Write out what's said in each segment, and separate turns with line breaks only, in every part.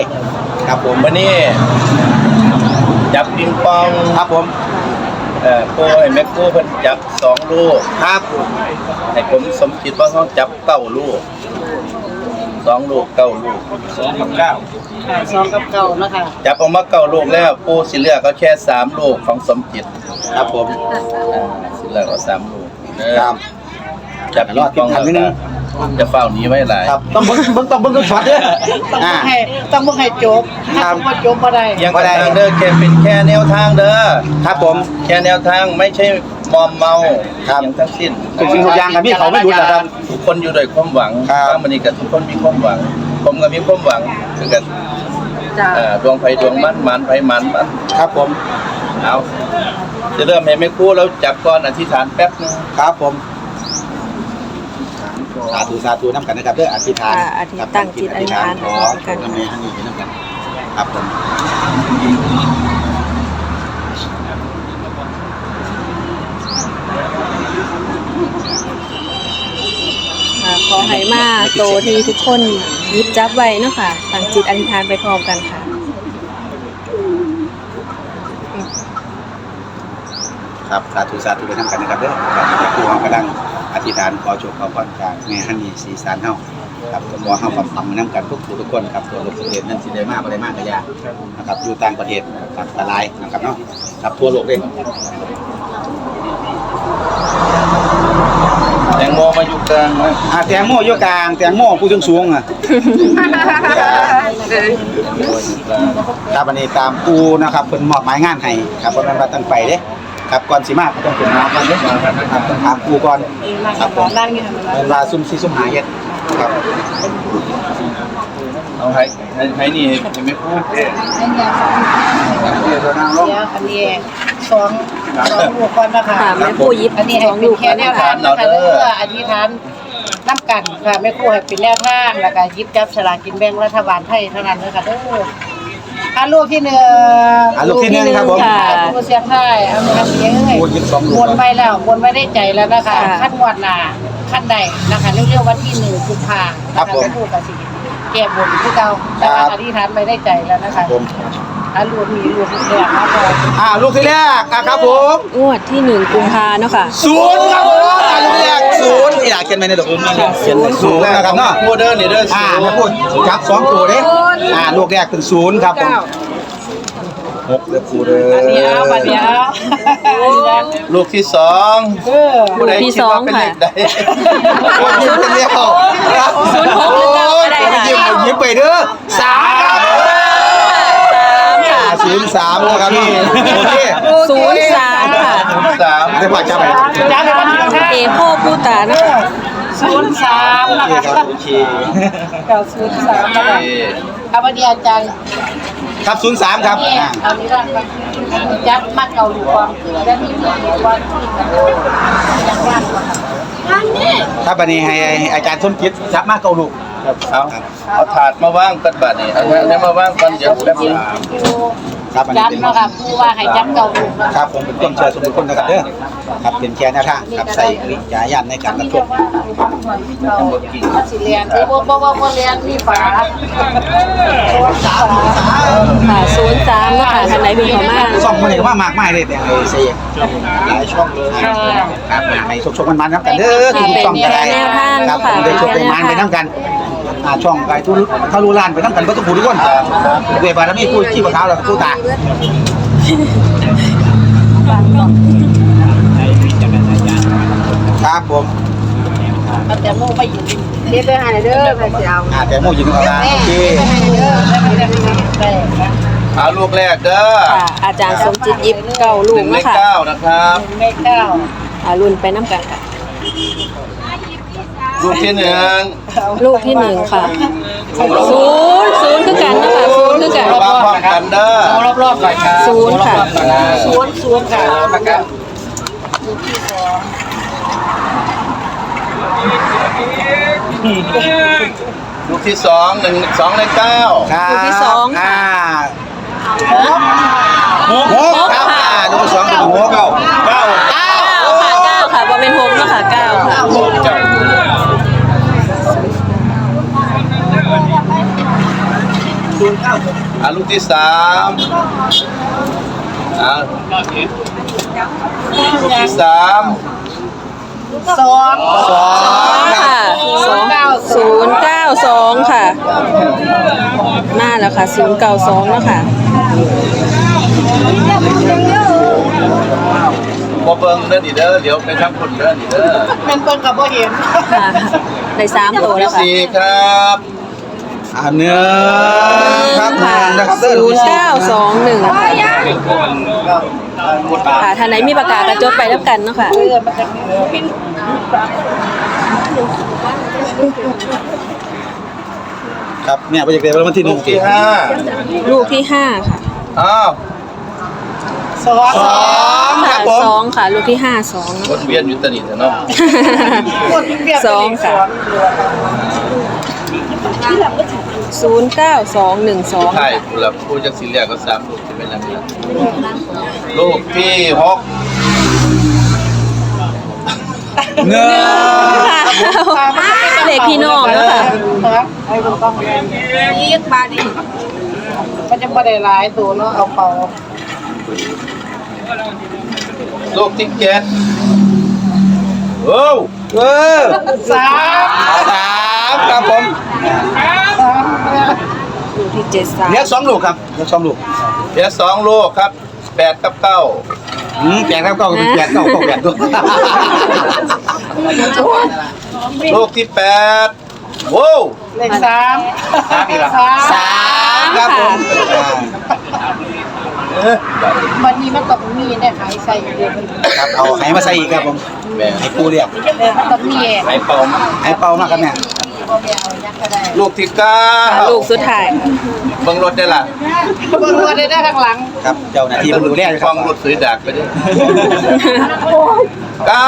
ครับผม
วันนี้จับปิงปอง
ครับผม
โป้ให้แม่กู้เพิ่นจับ2 ลูก
ครับ
ให้ผมสมคิดว่าเขาจับ9 ลูก2 ลูก9 ลูก2 กับ 9
2 กับ 9นะคะ
จับออกมา9 ลูกแล้วปูสิเลือกก็แค่3 ลูกของสมจิต
ครับผม
สิเลือกเอา3 ลูก
ครับ
จับปิงปองแล้วจะเฝ้านี้ไว้หลาย
ครับต้องเบิ่งช็อตเด้อ
ต้องให้จบถ้าบ่จบบ่ได้
ยังบ่ได้เด้อแค่แนวทางเด้อ
ครับผม
แค่แนวทางไม่ใช่มอมเมาอย่างทั้งสิ้น
ทุกสิ่งทุกอย่างกับพี่เขาไม่รู้นะครับ
ทุกคนอยู่ด้วยความหวังบางวันนี้ก็ทุกคนมีความหวังผมก็มีความหวังคือกันดวงไฟดวงมันไฟมัน
ครับผม
เอาจะเริ่มให้ไม่คู่แล้วจับก่อนอธิษฐานแป๊บนึง
ครับผมสาธุน้ำกันนะครับเด้ออธิษฐาน
ตั้งจิตอธิษฐาน
ขอกันทำไมให้ดีน้ำกันครับผม
ขอให้มาโตที่ทุกคนยิบจับไว้เนาะค่ะตั้งจิตอธิษฐานไปพร้อมกันค่ะ
ครับสาธุไปน้ำกันนะครับเด้อครับครูกำลังอธิษฐานขอโชคขอพรจากแม่ฮันนี่ศรีสารเฮาครับก็ขอเฮาฟังน้ำกันทุกคนครับตัวโลกประเทศนั้นสิได้มากบ่ได้มากก็ยานะครับอยู่ต่างประเทศครับหลายนะครับเนาะครับทั่วโลกเลย
แตงโมมาอยู่กลางนะ
แตงโมอยู่กลางแตงโมผู้สูงครับวันนี้ตามปูนะครับเพิ่นมอบหมายงานให้ครับเพราะนั้นว่าตั้งไปเด้ครับก่อนสิมาต้องถึงมาก่อนเด้ครับต้องถามปูก่อนครับผมเวลาซุ่ม4ซุ่ม5เฮ็ดครับ
เอาให้นี่ให้ไม่พูด
เดี๋ยวอันนี้2 ลูกก่อนนะคะ
แม่ผู้ยิบ
อันนี้ให้เป็นแค่แนวทางนะคะเด้ออธิษฐานน้ำกันค่ะแม่ครูให้เป็นแนวทางแล้วก็ยิบจับฉลากกินแบ่งรัฐบาลไทยเท่านั้นเลยค่ะเด้อลูกที่1
ลูกที่1ครับผม
ผู้เสียงไทยเอามาเสียงเอ้ยวนไปแล้ววนไปได้ใจแล้วนะคะขั้นงวดหน้าขั้นใดนะคะเร็วๆวันที่1 กุมภาพันธ์นะคะแม่ครูก็สิแก้บนคือเก่านะคะอธิษฐานไปได้ใจแล้วนะคะลูกแรกครับ
ลูกที่แรกครับผม
งวดที่1 กุมภาเนาะค่ะ
0ครับผมลูกแรก0อยากเขียนไว้ในดอกผม0นะครับเนาะ
โมเดิร์นนี่เด้อ
ไม่พูดจับ2 ตัวเด้ลูกแรกเป็น0ครับผม6เด้อปูเด้อ
บัดเดียว
ลูกที่2
ลูกที่2ค่ะ
คนยิ้มเป็นเดียว
06ได้ค่ะ
ยิ้มไปเด้อ3ค่ะ03นะครับพี่โอเค
03ค่ะ
03ได้ว่าจับไป
เอโคปูตานะคะ
03นะคะ
โอเค
03นะคะครับวันนี้อาจารย์
ครับ03ครับ
เอานี้ละจับมัดเอาลูกความแล้วมีลูกความจังหวัด
ครับวันนี้ให้อาจารย์สมคิดจับมาเกาลูก
เอาถาดมาว่างกันบัดนี้เอามาว่างกันเดี๋ยวแป๊บนึง
ครับ
จับนะครับผู้ว่าให้จับเกาลูก
ครับผมเป็นต้นเชิญสมคนนะครับเด้อครับเป็นแค่หน้าท่าครับใส่วิจารณในการรับชม
สิเรียนที่บ่เรียนมีฝา
ค่ะ03นะคะท่านไหนเป็นของมา
2คนนี้ก็มากมายเลยแต่ไอ้เสียหลายช่องเลยครับให้ชกมันๆกันเด้อทุกช่องก็ได้ครับได้ชกได้มันไปนำกันช่องไก่ทะลุล้านไปนำกันก็ต้องพูดทุกคนด้วยบารมีผู้ขี้บ่เท้าแล้วผู้ตาครับผม
แต่โมไปอยู่เรียบร้อยเด้อพระเจ้า
แต่โมอยู่ตรงกลางโอเค
เอาลูกแรกเด้อ
อาจารย์สมจิตยิบ9 ลูกนะคะ
9นะครับ
เลข9
รุ่นไปน้ำกันค่ะ
ลูกที่
1ค่ะ0คือกันนะคะ0คือกัน
รอบๆกันเด้อ
รอบๆหน่อยครับ
0ค่ะ
0ค่ะนะครับ
ลูกที่2ใน9
ลูกที่2ค่ะ
6ครับลูกที่2เป็น6
9ค่ะบ่เป็น6เนาะค่ะ9ค่ะ
0
ลูกที่สามลูกที่สาม
สอง
ค่ะ092ค่ะมาแล้วค่ะ092เนาะค่ะ
บ่เบิ่งเด้อนี่เด้อเดี๋ยวไปทำคนเด้อนี่เด้อ
เป็นเปิ้นกับบ่เห็น
ค่ะได้3ตัวแล้วค่ะ
สี่ครับ
เนื้อครับ
ค่ะ
นะครับ
0921ค่ะท่านไหนมีประกาศกระจดไปแล้วกันเนาะค่ะ
มันจะมี
ครับเนี่ยโปรเจกต์เดวันที่
ลูกที่
1
ห้า
ลูกที่5ค่ะ
อ้าว
สอง
ค่ะ2ค่ะลูกที่5 2
วนเวียนอยู่ตะนี่เนาะ
คนที่เปรียบ
สองค่ะ 09212
ใช่ผู้ละผู้จักสิเรียกก็สามลูกที่เป็นอันนี้ลูกที่หก
เนื้อ
เด็กพี่น้องเนาะค่ะ
ไอ้คนต้องนี่บาดนี่มันจะบ่ได้หลายตัวเนาะเอาเป่า
ลูกที่เจ็ดโอ้
สาม
ครับผม
ลูกที่73
เลี้ยง2ลูกครับเลี้ยง2ลูก
เหลือสองลูกครับแปดกับเก้า
แปดครับเก้าเป็นแปดเก้าแปดตัว
ลูกที่แปดโว้ว
เลขสาม
ครับผม
วันนี้มันต้องมีเนี่ยขายใส่เดียวมัน
ครับเอาให้มาใส่อีกครับผม
แม่
ให้ปูเรียก
มันต้องมี
ไอ้เป่ามา
ให้เป่ามากครับเนี่ย
บ่แม่เอายังก็ได้
ลูกที่เก้า
ลูกสุดท้าย
เบิ่งรถได้ล่ะ
เบิ่งว่าได้ข้างหลัง
ครับเจ้าหน้าที่ดูแลอยู่ค
ฟั
รับ
งรถสวยดักไปดิเก้า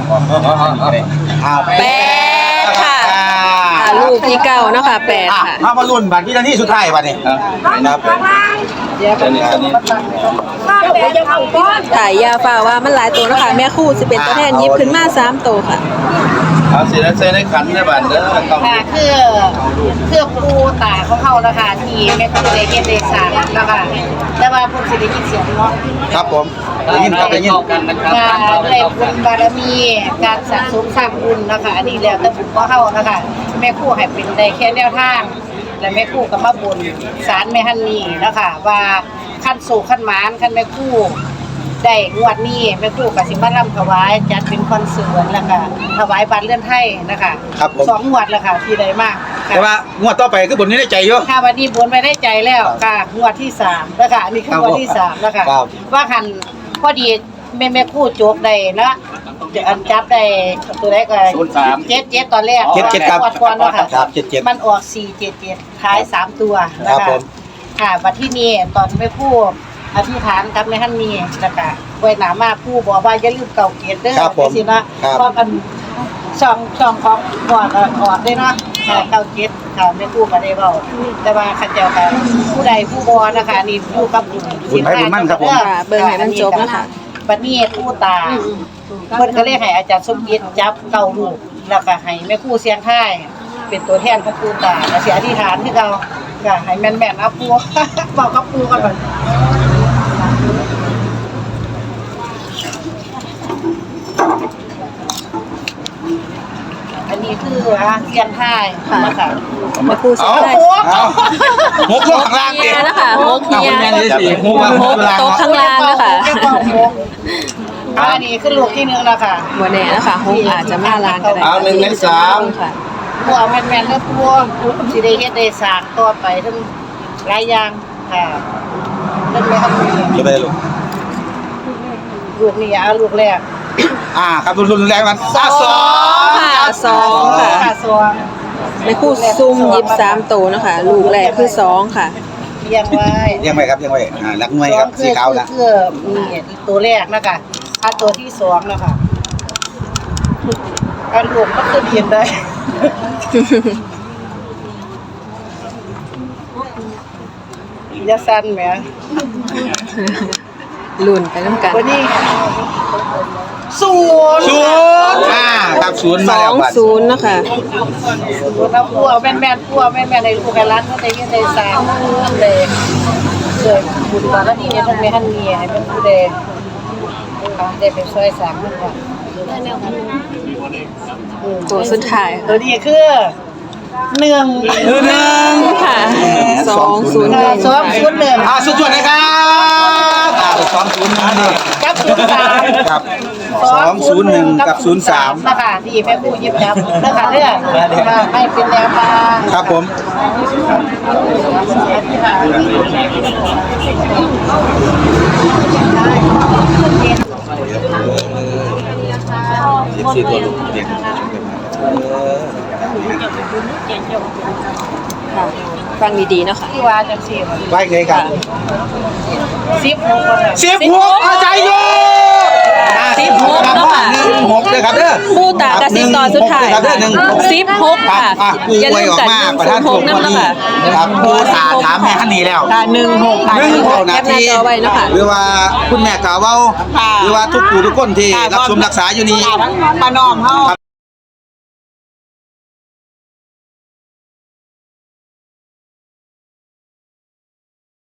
แปดค่ะลูกที่9เนาะค่ะ8ค่ะ
มามาลุ้นบัตรที่นาทีสุดท้ายบัตรนี้
อ่ะ
ครับ
เดี๋ยวก็มีคนมาตั้งเลย
ถ่ายยาฟ้าว่ามันหลายตัวเนาะค่ะแม่คู่สิเป็นตัวแทนหยิบขึ้นมา3ตัวค่ะ
เอาสิแล้วใส่ในขันในบ้านเด้อต้อง
ค่ะคือปูตาของเขานะคะที่แม่คุณได้เฮ็ดได้สร้างนะคะแต่ว่าเพิ่นสิได้ยินเสียงเนาะ
ครับผมได้ยินครับได้ยิน
การได้บุญบารมีการสะสมสร้างบุญนะคะอันนี้แล้วแต่บุญของเฮานะคะแม่ครูให้เป็นได้แค่แนวทางและแม่ครูก็มาบุญศาลแม่ฮันนี่นะคะว่าขั้นสู่ขั้นหมานขั้นแม่ครูได้งวดนี้แม่ครูก็สิมารำถวายจัดเป็นคอนเสิร์ตแล้วก็ถวายบัตรเลื่อนไทยนะคะสองงวดแล้วค่ะที่ได้มาก
แต่ว่างวดต่อไปคือบนนี้ได้ใจอยู่
ค่ะวันนี้บนไปได้ใจแล้วค่ะงวดที่3แล้วค่ะอันนี้คืองวดที่3แล้วค่ะ
ครับ
ว่าคันพอดีแม่คู่โจกได้นะอันจับได้ตัวแรกก็77ตอนแรก
77ครับ
งวดก่อนเนาะค่ะ
ครับ77
มันออก477ท้าย3ตัวนะ
ครั
คะ
บผม
ค่ะวันที่นี้ตอนแม่คู่อธิษฐานกับแม่ฮันนี่แล้วก็ไว้หน้ามาผู้บอกว่าอย่าลืมเก่าเกียรติเด้อ
ครับผม
สินะครับ เพราะกันช่องของก่อนออกได้เนาะค่ะเก่าเกียรติค่ะแม่คู่ก็ได้เว้าแต่ว่าคันเจ้าค่ะผู้ใดผู้บ่นะคะนี่อยู่กับบุญ
บุญไผบุญมั่นครับผม
ค่ะเบิ่งให้มันจบนะคะ
บัดนี้ผู้ตาเพิ่นก็เลยให้อาจารย์สมเกียรติจับเก่าลูกแล้วก็ให้แม่ครูเสียงท้ายเป็นตัวแทนของผู้ตาแล้วสิอธิษฐานคือเก่าก็ให้แม่นๆเอาปู่ บอกกับปู่ก่อนบัดอันนี้คือเสียงท้ายนะคะ
แม่คู่สุดท้าย
เอาหกลงข้างล่าง
เฮี
ดิ
ยนะคะหกเฮีย
แม่นี่สิหก
หกโต๊ะข้างล่างนะคะ
อันนี้คือลูกที่1แล้วค่ะ
บ่แน่นะคะหกอาจจะมาลานก็ได้
เอา1ใน
ค่ะ
พวกแม่นๆแล้วพวกสิได้เฮ็ดได้สร้างต่อไปทั้งหลายอย่างค่ะเริ่มเลยครับ
จะไปลูก
ลูกนี่เอาลูกแรก
ครับรุนแรงมันสอง
ค่ะสองค่ะ
ค่ะสอง
แม่คู่ซุ่มหยิบ3ตัวเนาะค่ะลูกแรกคือ2ค่ะ
เรียงไว้
ยังไงครับยังไงรักหน่วยครับสีขาวนะ
คือนี่ตัวแรกนะคะอันตัวที่2นะคะอันลูกก็คือเรียนได้อย่าสั่นแหม
ลุ้นไปน้ำกัน
วันนี้ศูนย์
ครับศูนย์มาแล้วบัด
20เนาะค่ะ
ศูนย์เอาพัวแม่นพัวแม่นในลูกกันร้านเขาได้ยินได้สร้างนั่นเลยเกิดบุญบารมีเนี่ยต้องมีหันเมียให้เป็นผู้ใดได้ไปช่วยสร้างมันก่อน
ตัวสุดท้าย
ตัวนี้คือหนึ่ง
ค่ะ201
201
สุดยอดเลยครับ201นี่
กับ03
ครับ201กับ03
นะคะที่แม่ครูยิบยับนะคะเด้อให้เป็นแนวทาง
ครับผม14ตัวลูกเด็ก
ค่ะฟังดีๆเนาะค่ะ
ที่ว่าจังซี่
ไว้ไงครับ 16อาจารย์อยู่
16เนาะค่ะ
16เลยครับเด้อ
ผู้ตากระซิบตอนสุดท้าย
ครับเด้อ
16ค่ะ
กูไว้ออกมาประธานผมวันนี้ครับกูถามแม่ท่านนี้แล้ว
ค่ะ16ค่ะ
16นาที
แคปหน้าจอไว้เนาะค่ะ
หรือว่าคุณแม่กล่าวว่าหรือว่าทุกผู้ทุกคนที่รับชมรักษาอยู่นี่
ป้าน้อมเฮา